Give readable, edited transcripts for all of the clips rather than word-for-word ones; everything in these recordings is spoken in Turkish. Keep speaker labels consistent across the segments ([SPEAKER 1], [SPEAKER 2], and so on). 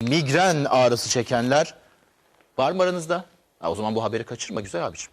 [SPEAKER 1] migren ağrısı çekenler var mı aranızda? O zaman bu haberi kaçırma güzel abiciğim.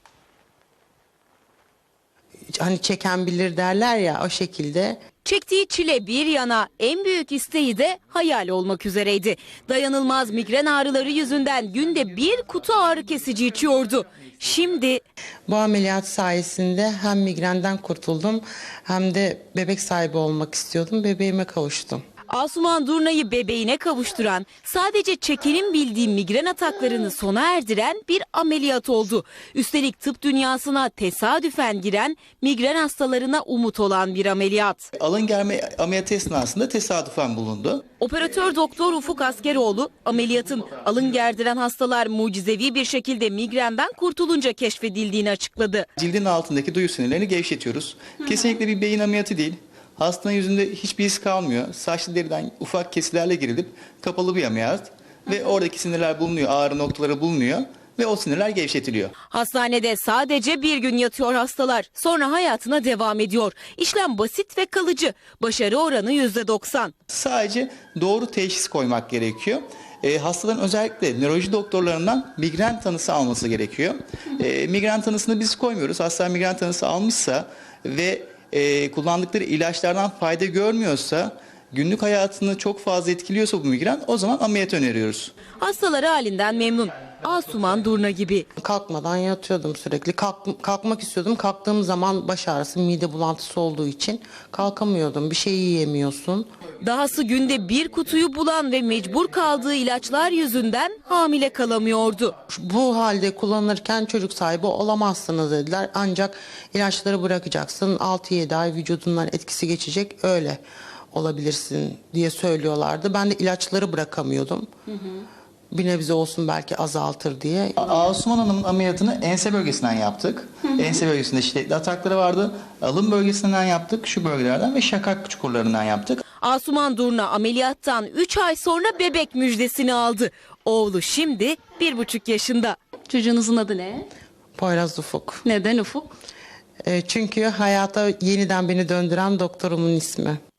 [SPEAKER 2] Hani çeken bilir derler ya, o şekilde.
[SPEAKER 3] Çektiği çile bir yana en büyük isteği de hayal olmak üzereydi. Dayanılmaz migren ağrıları yüzünden günde bir kutu ağrı kesici içiyordu. Şimdi
[SPEAKER 2] Bu ameliyat sayesinde hem migrenden kurtuldum hem de bebek sahibi olmak istiyordum. Bebeğime kavuştum.
[SPEAKER 3] Asuman Durna'yı bebeğine kavuşturan, sadece çekenin bildiği migren ataklarını sona erdiren bir ameliyat oldu. Üstelik tıp dünyasına tesadüfen giren, migren hastalarına umut olan bir ameliyat.
[SPEAKER 4] Alın germe ameliyatı esnasında tesadüfen bulundu.
[SPEAKER 3] Operatör doktor Ufuk Askeroğlu, ameliyatın alın gerdiren hastalar mucizevi bir şekilde migrenden kurtulunca keşfedildiğini açıkladı.
[SPEAKER 4] Cildin altındaki duyu sinirlerini gevşetiyoruz. Kesinlikle bir beyin ameliyatı değil. Hastanın yüzünde hiçbir iz kalmıyor. Saçlı deriden ufak kesilerle girilip kapalı bir ameliyat ve oradaki sinirler bulunuyor, ağrı noktaları bulunuyor ve o sinirler gevşetiliyor.
[SPEAKER 3] Hastanede sadece bir gün yatıyor hastalar, sonra hayatına devam ediyor. İşlem basit ve kalıcı, başarı oranı %90.
[SPEAKER 4] Sadece doğru teşhis koymak gerekiyor. Hastaların özellikle nöroloji doktorlarından migren tanısı alması gerekiyor. Migren tanısını biz koymuyoruz. Hasta migren tanısı almışsa ve kullandıkları ilaçlardan fayda görmüyorsa, günlük hayatını çok fazla etkiliyorsa bu migren, o zaman ameliyat öneriyoruz.
[SPEAKER 3] Hastaları halinden memnun. Asuman Durna gibi.
[SPEAKER 2] Kalkmadan yatıyordum sürekli. Kalkmak istiyordum. Kalktığım zaman baş ağrısı, mide bulantısı olduğu için kalkamıyordum. Bir şey yiyemiyorsun.
[SPEAKER 3] Dahası günde bir kutuyu bulan ve mecbur kaldığı ilaçlar yüzünden hamile kalamıyordu.
[SPEAKER 2] Bu halde kullanırken çocuk sahibi olamazsınız dediler. Ancak ilaçları bırakacaksın. 6-7 ay vücudundan etkisi geçecek, öyle olabilirsin diye söylüyorlardı. Ben de ilaçları bırakamıyordum. Bir nebze olsun belki azaltır diye.
[SPEAKER 4] Asuman Hanım'ın ameliyatını ense bölgesinden yaptık. Ense bölgesinde şiddetli atakları vardı. Alın bölgesinden yaptık, şu bölgelerden ve şakak çukurlarından yaptık.
[SPEAKER 3] Asuman Durna ameliyattan 3 ay sonra bebek müjdesini aldı. Oğlu şimdi 1,5 yaşında.
[SPEAKER 5] Çocuğunuzun adı ne?
[SPEAKER 2] Poyraz Ufuk.
[SPEAKER 5] Neden Ufuk?
[SPEAKER 2] Çünkü hayata yeniden beni döndüren doktorumun ismi.